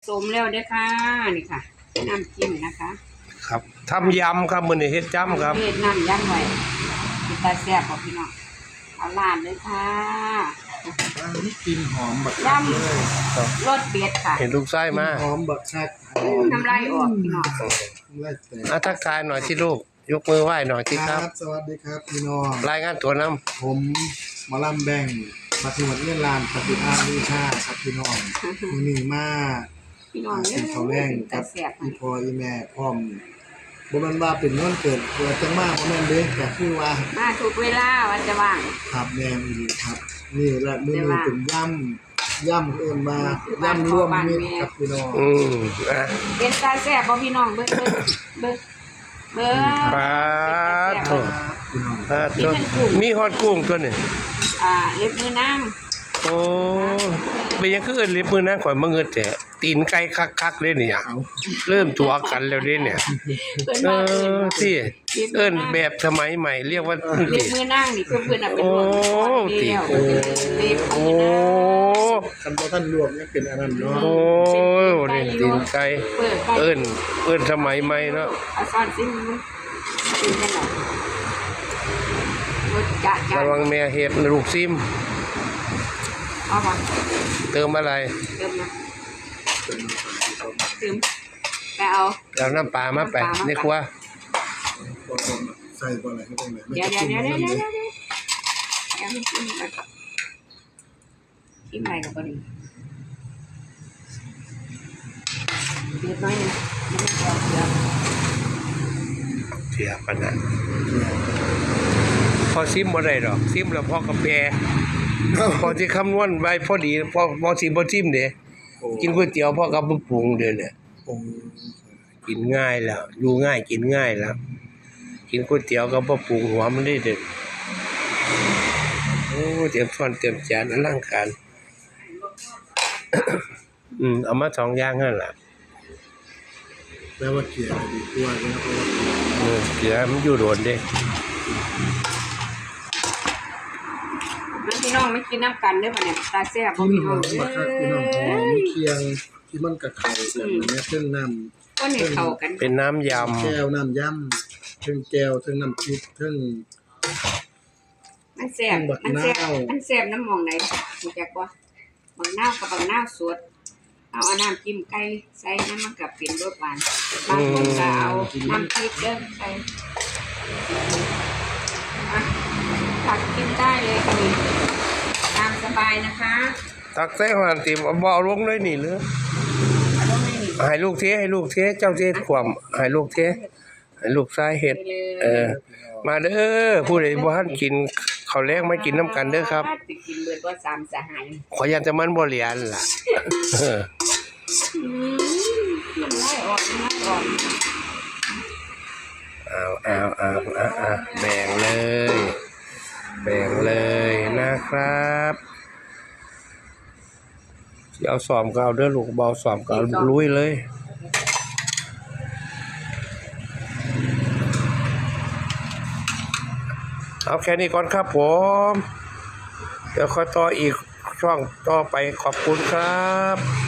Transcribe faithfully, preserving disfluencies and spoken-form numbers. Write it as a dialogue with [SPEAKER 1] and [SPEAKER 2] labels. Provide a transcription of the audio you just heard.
[SPEAKER 1] สมแล้วเด้อค่ะนี่ค่ะน้ำจิ้มนะคะ
[SPEAKER 2] ครับทำยำครับมื้อนี้เฮ็ดจ้ำครับ
[SPEAKER 1] เฮ็ดน้ำยำไว้กินตาแซ่บบ่พี่น้องเอาลาดเลยค่ะ
[SPEAKER 3] อันนี้กลิ่นหอมบัก
[SPEAKER 1] ย
[SPEAKER 3] คักเลย
[SPEAKER 1] ำรสเบ็ดค่ะ
[SPEAKER 2] เห็นลูกไส้มา
[SPEAKER 3] หอมบักคักหอม
[SPEAKER 1] น้ำลายออกพี่น้อง
[SPEAKER 3] ไล่แต่
[SPEAKER 2] อ่ะทักทายหน่อยที่ลูกยกมือไหว้หน่อยที่
[SPEAKER 3] ค
[SPEAKER 2] ค
[SPEAKER 3] รั
[SPEAKER 2] รับบ
[SPEAKER 3] สวัสดีครับพี่น้อง
[SPEAKER 2] รายงานตัวน้ำ
[SPEAKER 3] ผมหมอลำแบ่งมาถึงวันเงินลานปฏิภาณวิชาครับพี่น้องมือหนึ่งมา
[SPEAKER 1] พี่น้อง
[SPEAKER 3] กินข้าวแรงกับ
[SPEAKER 1] แซ่บ
[SPEAKER 3] อีพออีแม่พร้อมบ่แม่นว่าเป็นวันเกิดเกิดจังมาบ่แม่นเด้ก็คือว่า
[SPEAKER 1] มาทุกเวลาวันจะว่าง
[SPEAKER 3] ครับแม่นอีหลีครับ นี่ละมื้อนี้เป็นย่ำย่ำเอิ้นว่าย่ำรวมมิตรครับพี่น้อง
[SPEAKER 2] อืมอ่ะ
[SPEAKER 1] เป็นตาแซ่บบ่พี่น้องเบิ่งเบิ่งเบิ่งเบิ่ง
[SPEAKER 2] ปลา
[SPEAKER 1] เป็น
[SPEAKER 2] โถ
[SPEAKER 1] ตาแซ่บ
[SPEAKER 3] พี่น้อง
[SPEAKER 2] ปลาตัวมีฮอดกุ้งตัวนี่
[SPEAKER 1] อ่าเล็บมือนาง
[SPEAKER 2] โอ้เป็นยังคือเอิ้นลิบมือนะข่อยมาเงิดแต่ตีนไก่คักๆเลยเนี่ย
[SPEAKER 3] เอา
[SPEAKER 2] เริ่มตัวกันแล้วเด้เนี่ย
[SPEAKER 1] เพิ่น
[SPEAKER 2] เอ
[SPEAKER 1] ว่าเอิ้น
[SPEAKER 2] อที่เอิ้นแบบสมัยใหม่เรียกว่า
[SPEAKER 1] เล็บมือนางนี่คือเพิ่นน่ะเป็น
[SPEAKER 2] โอ้
[SPEAKER 1] รวม
[SPEAKER 2] ติ
[SPEAKER 1] เดียว
[SPEAKER 2] โอ้
[SPEAKER 1] เล็บ
[SPEAKER 2] โอ้
[SPEAKER 1] มือนาง
[SPEAKER 3] คันบ่ทันรวมยังเป็นอันนั้นเนาะ
[SPEAKER 2] โอ้นี่ตีนไก่
[SPEAKER 1] เปิดไก่
[SPEAKER 2] เอิ้นเอิ้นสมัยใหม่เนาะ
[SPEAKER 1] เอาซ่อนซิมันกินกันหน่อยรสจัดจ้า
[SPEAKER 2] ระวังแม่เฮ็ดลูกซิม
[SPEAKER 1] เอาป่ะ
[SPEAKER 2] เติมอะไร
[SPEAKER 1] เติมนะเติมไปเอา
[SPEAKER 2] เอาน้ำปลามาไปในครัว
[SPEAKER 3] บ่ต้องใส่บ่อะไรให้ตรงไหน
[SPEAKER 1] เดี๋ยวเดี๋ยวเดี๋ยวเดี๋ยวเดี๋ยวเดี๋ยวเดี๋ยวเดี๋ยวชิมไปก่อนชิมอะไรกับตัวนี้เดือดน้อยนึงไม่ต้องเอาเดือด
[SPEAKER 2] เสียปานนั้นพอซิมบ่ได้ดอกซิมแล้วพอกาแฟพอสิคำนวณไว้พอดีพอบ่สิบ่ซิมเด้กินก๋วยเตี๋ยวพอกับปรุงเด้อเนี่ย
[SPEAKER 3] โอ้
[SPEAKER 2] กินง่ายแล้วอยู่ง่ายกินง่ายแล้ว กินก๋วยเตี๋ยวกับบ่ปรุงหัวมันได้เด็ดโอ้เตรียมช้อนเตรียมจานอลังการ อืมเอามาสองอย่างนั่นล่ะ
[SPEAKER 3] แปลว่าเกลียดดีกว่านะเพราะว่า
[SPEAKER 2] เออเดี๋ยวมันอยู่โดนเด้
[SPEAKER 1] มันพี่น้องไม่กินน้ำกันเด้อป่ะเนี่ยตาแซ่บบ่
[SPEAKER 3] กิน
[SPEAKER 1] พี่
[SPEAKER 3] ห
[SPEAKER 1] น้
[SPEAKER 3] อ
[SPEAKER 1] อง
[SPEAKER 3] ม
[SPEAKER 1] เอ้
[SPEAKER 3] บักคักพี่น้องหอม
[SPEAKER 1] ย
[SPEAKER 3] เคียงที่มันกะเข้ากันแม่เพิ่งน้ำ
[SPEAKER 1] ก็เนี่ยเข้ากัน
[SPEAKER 2] เป็นน้ำย
[SPEAKER 3] แก้วน้ำย่ำเพิ่งแก้วเพิ่งน้ำพริกเพิ่ง
[SPEAKER 1] มันแซ่บ
[SPEAKER 3] บัก
[SPEAKER 1] มันแซ่บ
[SPEAKER 3] นาว
[SPEAKER 1] มันแซ่บน้ำหมองไหนรู้จักบ่บักนาวกับบักนาวสดเอาเอาน้ำจิ้มไก่ใส่น้ำมันกับเป็นรสหวานบางคนก็เอาน้ำพริกเด้อใส่อ่ะตักกินได้เลยค่ะนี่ตามสบายนะคะ
[SPEAKER 2] ำตักใส่หันติมเอาบ่เอาลงเลยนี่หรือ
[SPEAKER 1] เอาลงให้นี่
[SPEAKER 2] ให้ลูกเทให้ลูกเทเจ้าเทความให้ลูกเทให้ลูกชายเฮ็ด
[SPEAKER 1] ไปเลย
[SPEAKER 2] เออ มาเด้อผู้ใดบ่ทันกินข้าวแลงมากินน้ำกันเด้อครับ
[SPEAKER 1] สิกินเบิดบ่สามสหาย
[SPEAKER 2] ขอยันจะมันบ่เหลียนล่ะ เออ
[SPEAKER 1] อืมน้ำลายออกน้ำลายออก
[SPEAKER 2] เอาเอาเอาเอาเอาแบ่งเลย แบ่งเลยนะครับสิเอาสอมก็เอาเด้อลูกเบาสอมก็เอาลุยเลย เอาแค่นี้ก่อนครับผม เดี๋ยวค่อยต่ออีกช่วงต่อไปขอบคุณครับ